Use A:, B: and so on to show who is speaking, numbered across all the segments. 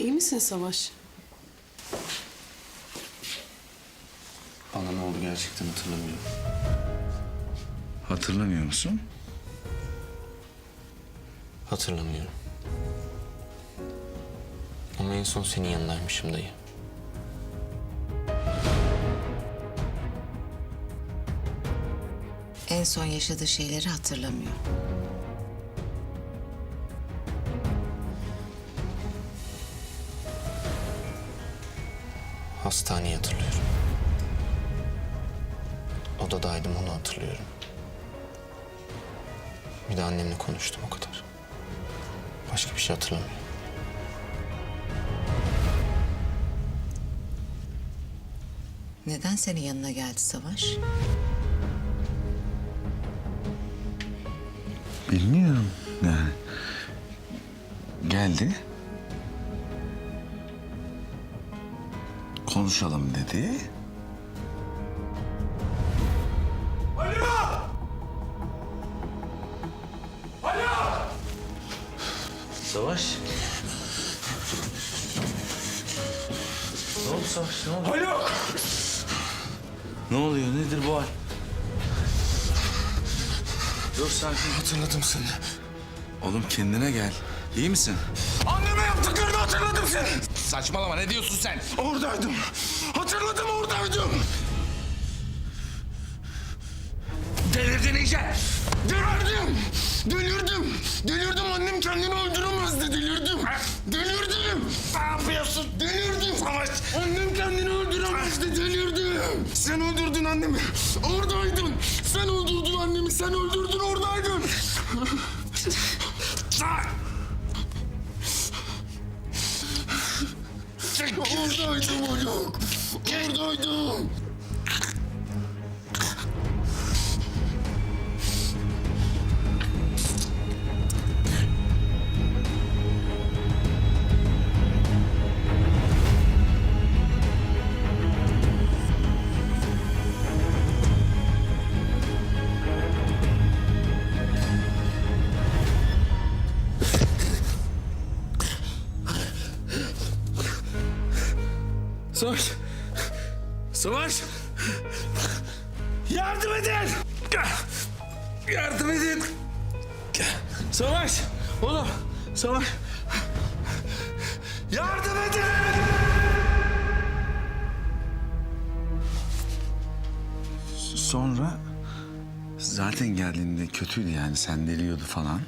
A: İyi misin Savaş?
B: Bana ne oldu gerçekten hatırlamıyorum.
C: Hatırlamıyor musun?
B: Hatırlamıyorum. Ama en son senin yanındaymışım dayı.
D: En son yaşadığı şeyleri hatırlamıyor.
B: Hastaneyi hatırlıyorum. Odadaydım, onu hatırlıyorum. Bir de annemle konuştum, o kadar. Başka bir şey hatırlamıyorum.
D: Neden senin yanına geldi Savaş?
C: Bilmiyorum yani. Geldi. Konuşalım dedi.
B: Savaş. Ne oldu Savaş, ne oldu?
E: Haluk!
C: Ne oluyor? Nedir bu hal? Dur sakin.
E: Hatırladım seni.
C: Oğlum kendine gel. İyi misin?
E: Anneme yaptıklarını hatırladım seni.
C: Saçmalama, ne diyorsun sen?
E: Oradaydım. Hatırladım, oradaydım.
C: Delirdin iyice.
E: Delirdim. Delirdim. Delirdim. Annem kendini öldüremezdi. Delirdim. Delirdim.
C: Ne yapıyorsun?
E: Delirdim. Annem kendini öldüremezdi. Delirdim. Sen öldürdün annemi. Oradaydın. Sen öldürdün annemi. Sen öldürdün, oradaydın. Oradaydım Haluk. Oradaydım.
C: Savaş. Savaş. Yardım edin. Yardım edin. Savaş. Oğlum. Savaş. Yardım edin. Sonra zaten geldiğinde kötüydü yani, sendeliyordu falan.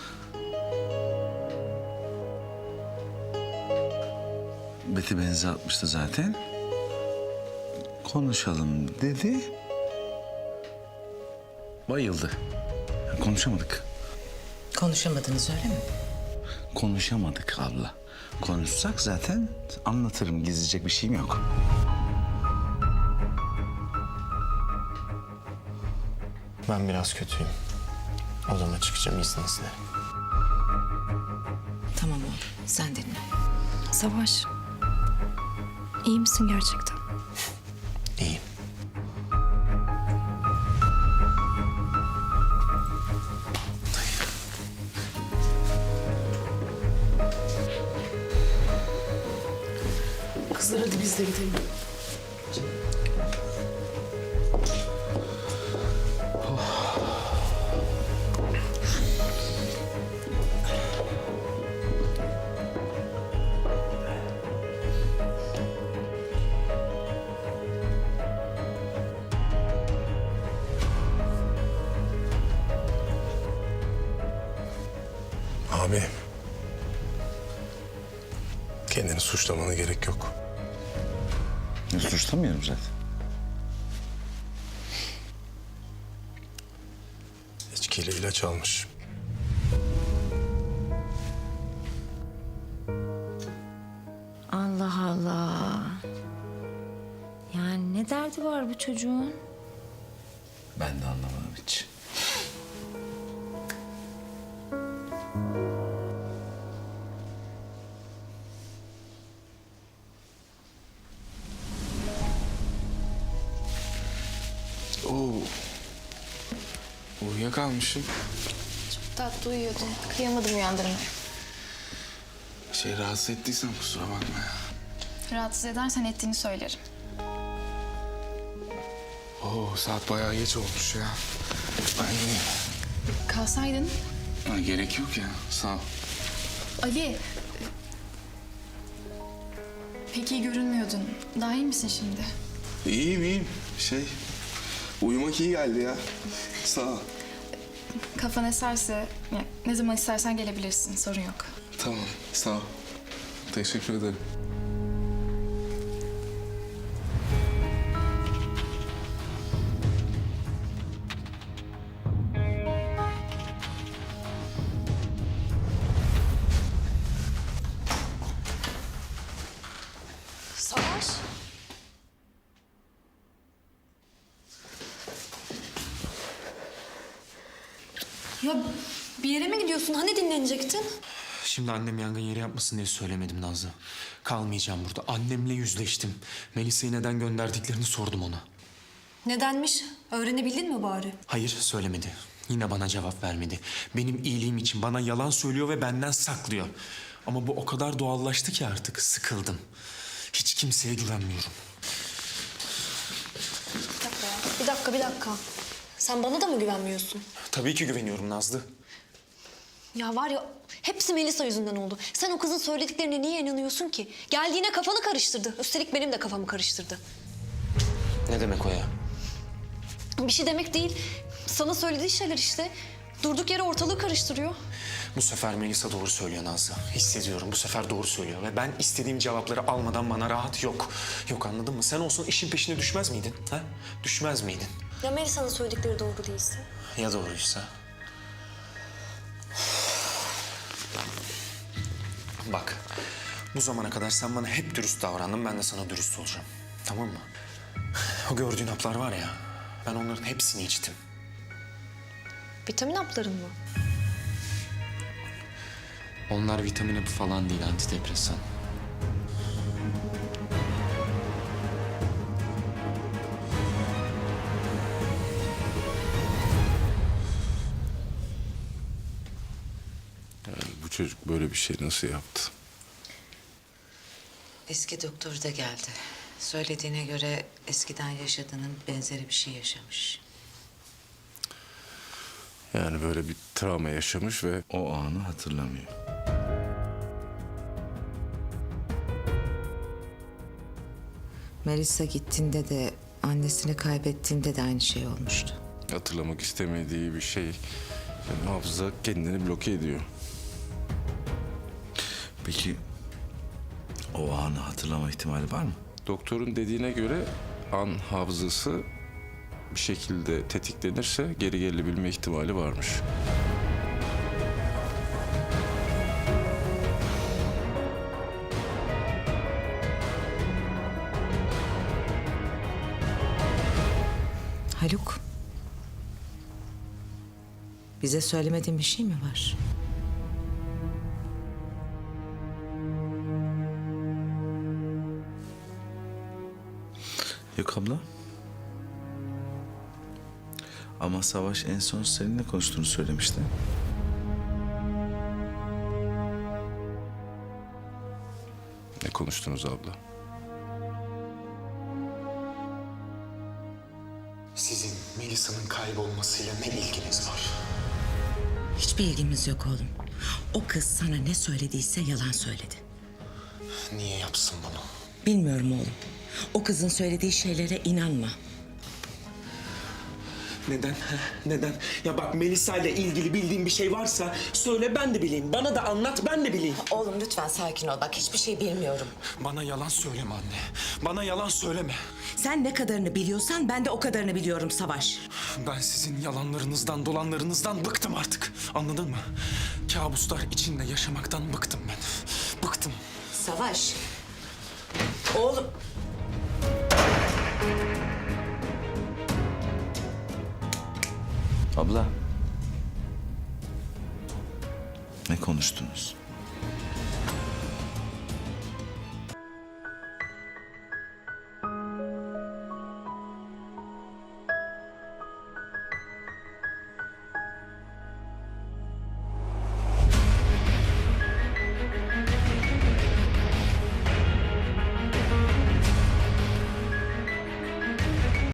C: Beti benzi atmıştı zaten. Konuşalım dedi. Bayıldı. Konuşamadık.
D: Konuşamadınız öyle mi?
C: Konuşamadık abla. Konuşsak zaten anlatırım. Gizleyecek bir şeyim yok.
B: Ben biraz kötüyüm. Odama çıkacağım izninizle.
D: Tamam oğlum, sen dinle.
F: Savaş, iyi misin gerçekten?
B: İyiyim.
A: Kızlar hadi biz de gidelim.
E: Abi. Kendini suçlamana gerek yok.
C: Suçlamıyorum zaten.
E: İçkiyle ilaç almış.
G: Allah Allah. Yani ne derdi var bu çocuğun?
C: Ben de anlamadım hiç.
B: Oo. Uyuyakalmışım.
F: Tatlı uyuyordum. Kıyamadım uyandırmaya.
E: Rahatsız ettiysem kusura bakma ya.
H: Rahatsız edersen ettiğini söylerim.
E: Oo, saat bayağı geç olmuş ya. Ben gideyim.
H: Kalsaydın.
E: Ha, gerek yok ya, sağ ol.
H: Ali. Pek iyi görünmüyordun. Daha iyi misin şimdi?
E: İyiyim. Uyumak iyi geldi ya. Sağ ol.
H: Kafan eserse, yani ne zaman istersen gelebilirsin. Sorun yok.
E: Tamam, sağ ol. Teşekkür ederim.
F: Savaş. Ya bir yere mi gidiyorsun? Hani dinlenecektin?
B: Şimdi annem yangın yeri yapmasın diye söylemedim Nazlı. Kalmayacağım burada. Annemle yüzleştim. Melisa'yı neden gönderdiklerini sordum ona.
F: Nedenmiş? Öğrenebildin mi bari?
B: Hayır, söylemedi. Yine bana cevap vermedi. Benim iyiliğim için bana yalan söylüyor ve benden saklıyor. Ama bu o kadar doğallaştı ki artık sıkıldım. Hiç kimseye güvenmiyorum.
F: Bir dakika. Sen bana da mı güvenmiyorsun?
B: Tabii ki güveniyorum Nazlı.
F: Ya var ya, hepsi Melisa yüzünden oldu. Sen o kızın söylediklerine niye inanıyorsun ki? Geldiğine kafanı karıştırdı. Üstelik benim de kafamı karıştırdı.
B: Ne demek o ya?
F: Bir şey demek değil. Sana söylediği şeyler işte. Durduk yere ortalığı karıştırıyor.
B: Bu sefer Melisa doğru söylüyor Nazlı. Hissediyorum, bu sefer doğru söylüyor. Ve ben istediğim cevapları almadan bana rahat yok. Yok, anladın mı? Sen olsun işin peşine düşmez miydin? Ha? Düşmez miydin?
F: Ya Melisa'nın söyledikleri doğru değilse?
B: Ya doğruysa? Bak, bu zamana kadar sen bana hep dürüst davrandın, ben de sana dürüst olacağım. Tamam mı? O gördüğün haplar var ya, ben onların hepsini içtim.
F: Vitamin hapların mı?
B: Onlar vitamin hapı falan değil, antidepresan.
E: Bu çocuk böyle bir şey nasıl yaptı?
D: Eski doktor da geldi. Söylediğine göre eskiden yaşadığının benzeri bir şey yaşamış.
E: Yani böyle bir travma yaşamış ve
C: O anı hatırlamıyor.
D: Melisa gittiğinde de annesini kaybettiğinde de aynı şey olmuştu.
E: hatırlamak istemediği bir şey. Yani hafıza kendini bloke ediyor.
C: Peki o anı hatırlama ihtimali var mı?
E: Doktorun dediğine göre an hafızası bir şekilde tetiklenirse geri gelebilme ihtimali varmış.
D: Haluk. Bize söylemediğin bir şey mi var?
C: Yok abla. Ama Savaş en son seninle konuştuğunu söylemişti.
E: Ne konuştunuz abla?
B: Sizin Melisa'nın kaybolmasıyla ne ilginiz var?
I: Hiçbir ilgimiz yok oğlum. O kız sana ne söylediyse yalan söyledi.
B: Niye yapsın bunu?
I: Bilmiyorum oğlum. O kızın söylediği şeylere inanma.
B: Neden? ha? Neden? Ya bak, Melisa ile ilgili bildiğin bir şey varsa söyle, ben de bileyim. Bana da anlat, ben de bileyim.
I: Oğlum lütfen sakin ol. Bak hiçbir şey bilmiyorum.
B: Bana yalan söyleme anne. Bana yalan söyleme.
I: Sen ne kadarını biliyorsan ben de o kadarını biliyorum Savaş.
B: Ben sizin yalanlarınızdan, dolanlarınızdan bıktım artık. Anladın mı? Kabuslar içinde yaşamaktan bıktım ben. Bıktım.
I: Savaş. Oğlum.
C: Abla. Ne konuştunuz?